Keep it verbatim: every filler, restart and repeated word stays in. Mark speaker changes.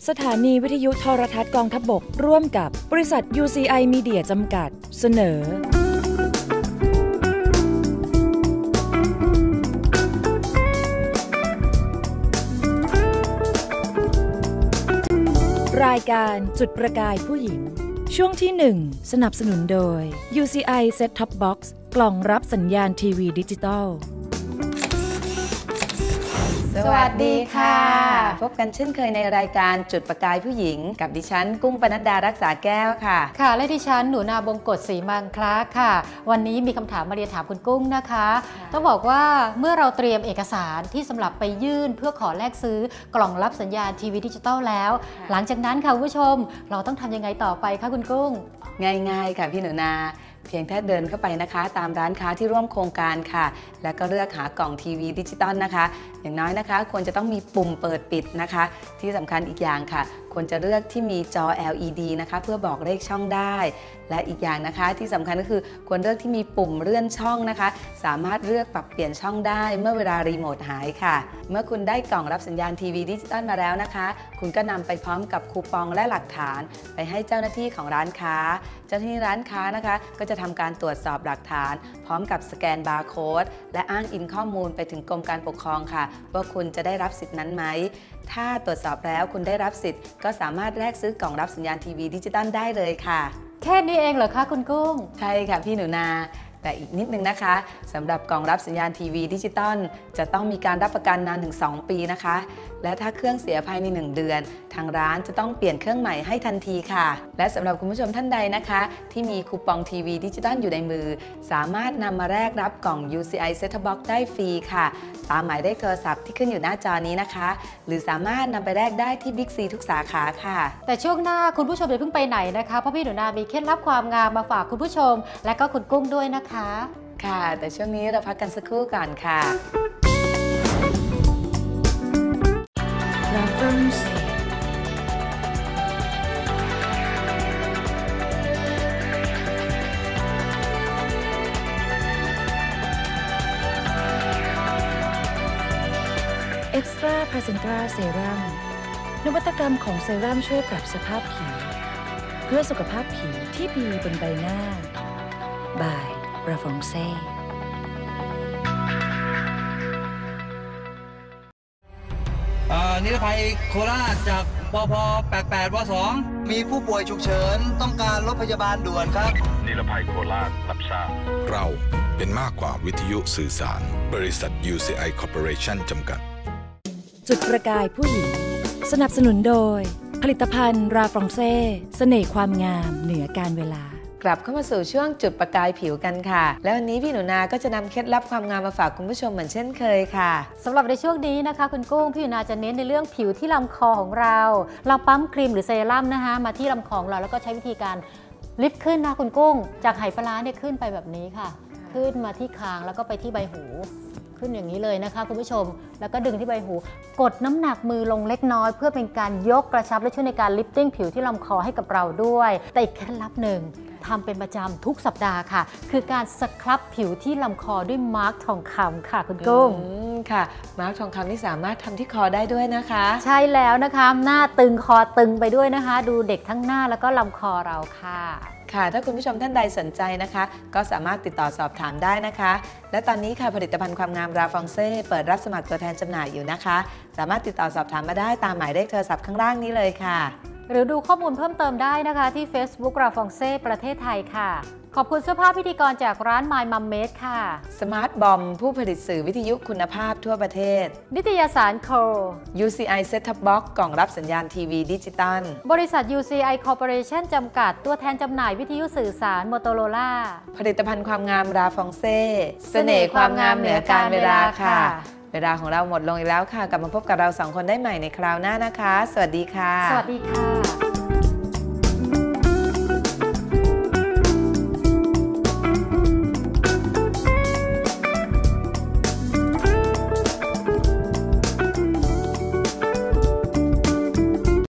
Speaker 1: สถานีวิทยุโทรทัศน์กองทัพบกร่วมกับบริษัท ยู ซี ไอ Media จำกัดเสนอรายการจุดประกายผู้หญิงช่วงที่หนึ่งสนับสนุนโดย ยู ซี ไอ Set Top Box กล่องรับสัญญาณทีวีดิจิตอล
Speaker 2: สวัสดีค่ะพบกันเช่นเคยในรายการจุดประกายผู้หญิงกับดิฉันกุ้งปนัดดารักษาแก้วค่ะ
Speaker 3: ค่ะและดิฉันหนูนาบงกฎศรีมังคลาค่ะวันนี้มีคำถามมาเรียนถามคุณกุ้งนะคะต้องบอกว่าเมื่อเราเตรียมเอกสารที่สำหรับไปยื่นเพื่อขอแลกซื้อกล่องรับสัญญาณทีวีดิจิตอลแล้วหลังจากนั้นค่ะคุณผู้ชมเราต้องทำยังไงต่อไปคะคุณกุ้ง
Speaker 2: ง่ายๆค่ะพี่หนูนาเพียงแค่เดินเข้าไปนะคะตามร้านค้าที่ร่วมโครงการค่ะแล้วก็เลือกหากล่องทีวีดิจิตอลนะคะอย่างน้อยนะคะควรจะต้องมีปุ่มเปิดปิดนะคะที่สำคัญอีกอย่างค่ะควรจะเลือกที่มีจอ แอล อี ดี นะคะเพื่อบอกเลขช่องได้และอีกอย่างนะคะที่สำคัญก็คือควรเลือกที่มีปุ่มเลื่อนช่องนะคะสามารถเลือกปรับเปลี่ยนช่องได้เมื่อเวลารีโมทหายค่ะเมื่อคุณได้กล่องรับสัญญาณทีวีดิจิตอลมาแล้วนะคะคุณก็นำไปพร้อมกับคูปองและหลักฐานไปให้เจ้าหน้าที่ของร้านค้าเจ้าหน้าที่ร้านค้านะคะก็จะทำการตรวจสอบหลักฐานพร้อมกับสแกนบาร์โค้ดและอ้างอิงข้อมูลไปถึงกรมการปกครองค่ะว่าคุณจะได้รับสิทธินั้นไหมถ้าตรวจสอบแล้วคุณได้รับสิทธิ์ก็สามารถแลกซื้อกล่องรับสัญญาณทีวีดิจิตอลได้เลยค่ะ
Speaker 3: แค่นี้เองเหรอคะคุณกุ้ง
Speaker 2: ใช่ค่ะพี่หนูนาแต่อีกนิดนึงนะคะสำหรับกล่องรับสัญญาณทีวีดิจิตอลจะต้องมีการรับประกันนานถึงสองปีนะคะและถ้าเครื่องเสียภายในหนึ่งเดือนทางร้านจะต้องเปลี่ยนเครื่องใหม่ให้ทันทีค่ะและสำหรับคุณผู้ชมท่านใดนะคะที่มีคูปองทีวีดิจิตอลอยู่ในมือสามารถนำมาแลกรับกล่อง ยู ซี ไอ Set Top Box ได้ฟรีค่ะตามหมายเลขโทรศัพท์ที่ขึ้นอยู่หน้าจอนี้นะคะหรือสามารถนำไปแลกได้ที่บิ๊กซีทุกสาขาค่ะ
Speaker 3: แต่ช่วงหน้าคุณผู้ชมอย่าเพิ่งไปไหนนะคะเพราะพี่หนูนามีเคล็ดลับความงามมาฝากคุณผู้ชมและก็คุณกุ้งด้วยนะคะ
Speaker 2: ค่ะแต่ช่วงนี้เราพักกันสักครู่ก่อนค่ะ
Speaker 1: เอ็กซ์ตร้าพาเซนตราเซรั่มนวัตกรรมของเซรั่มช่วยปรับสภาพผิวเพื่อสุขภาพผิวที่ดีบนใบหน้าบายราฟองเซ่
Speaker 4: นิรภัยโคราชจากปพแปดแปดวสองมีผู้ป่วยฉุกเฉินต้องการรถพยาบาลด่วนครับ
Speaker 5: นิรภัยโคราชรับทราบ
Speaker 6: เราเป็นมากกว่าวิทยุสื่อสารบริษัท ยู ซี ไอ Corporation จำกัด
Speaker 1: จุดประกายผู้หญิงสนับสนุนโดยผลิตภัณฑ์ราฟองเซ่เสน่ห์ความงามเหนือการเวลาก
Speaker 2: ลับเข้ามาสู่ช่วงจุดประกายผิวกันค่ะแล้ววันนี้พี่หนูนาก็จะนำเคล็ดลับความงามมาฝากคุณผู้ชมเหมือนเช่นเคยค่ะ
Speaker 3: สำหรับในช่วงนี้นะคะคุณกุ้งพี่หนูนาจะเน้นในเรื่องผิวที่ลำคอของเราเราปั๊มครีมหรือเซรั่มนะคะมาที่ลำคอของเราแล้วก็ใช้วิธีการลิฟต์ขึ้นนะคุณกุ้งจากไหปลาร้าเนี่ยขึ้นไปแบบนี้ค่ะขึ้นมาที่คางแล้วก็ไปที่ใบหูขึ้นอย่างนี้เลยนะคะคุณผู้ชมแล้วก็ดึงที่ใบหูกดน้ำหนักมือลงเล็กน้อยเพื่อเป็นการยกกระชับและช่วยในการลิฟติ้งผิวที่ลำคอให้กับเราด้วยแต่อีกเคล็ดลับหนึ่งทำเป็นประจำทุกสัปดาห์ค่ะคือการสครับผิวที่ลำคอด้วยมาร์กทองคำค่ะคุณกุ้ง
Speaker 2: ค่ะมาร์กทองคำที่สามารถทำที่คอได้ด้วยนะคะ
Speaker 3: ใช่แล้วนะคะหน้าตึงคอตึงไปด้วยนะคะดูเด็กทั้งหน้าแล้วก็ลำคอเราค่ะ
Speaker 2: ค่ะถ้าคุณผู้ชมท่านใดสนใจนะคะก็สามารถติดต่อสอบถามได้นะคะและตอนนี้ค่ะผลิตภัณฑ์ความงามราฟองเซ่เปิดรับสมัครตัวแทนจำหน่ายอยู่นะคะสามารถติดต่อสอบถามมาได้ตามหมายเลขโทรศัพท์ข้างล่างนี้เลยค่ะ
Speaker 3: หรือดูข้อมูลเพิ่มเติมได้นะคะที่ Facebook ราฟองเซ่ประเทศไทยค่ะขอบคุณเสื้อผ้าพิธีกรจากร้าน My Mum Made ค่ะ
Speaker 2: สมาร์ทบอมผู้ผลิตสื่อวิทยุคุณภาพทั่วประเทศ
Speaker 3: นิตยสารโค
Speaker 2: ยู ซี ไอ Set Top Box กล่องรับสัญญาณทีวีดิจิตอล
Speaker 3: บริษัท ยู ซี ไอ Corporation จำกัดตัวแทนจำหน่ายวิทยุสื่อสาร Motorola
Speaker 2: ผลิตภัณฑ์ความงามราฟองเซ่เสน่ห์ความงามเหนือการเวลาค่ะเวลาของเราหมดลงอีกแล้วค่ะกลับมาพบกับเราสองคนได้ใหม่ในคราวหน้านะคะสวัสดีค่ะ
Speaker 3: สวัสดีค่ะ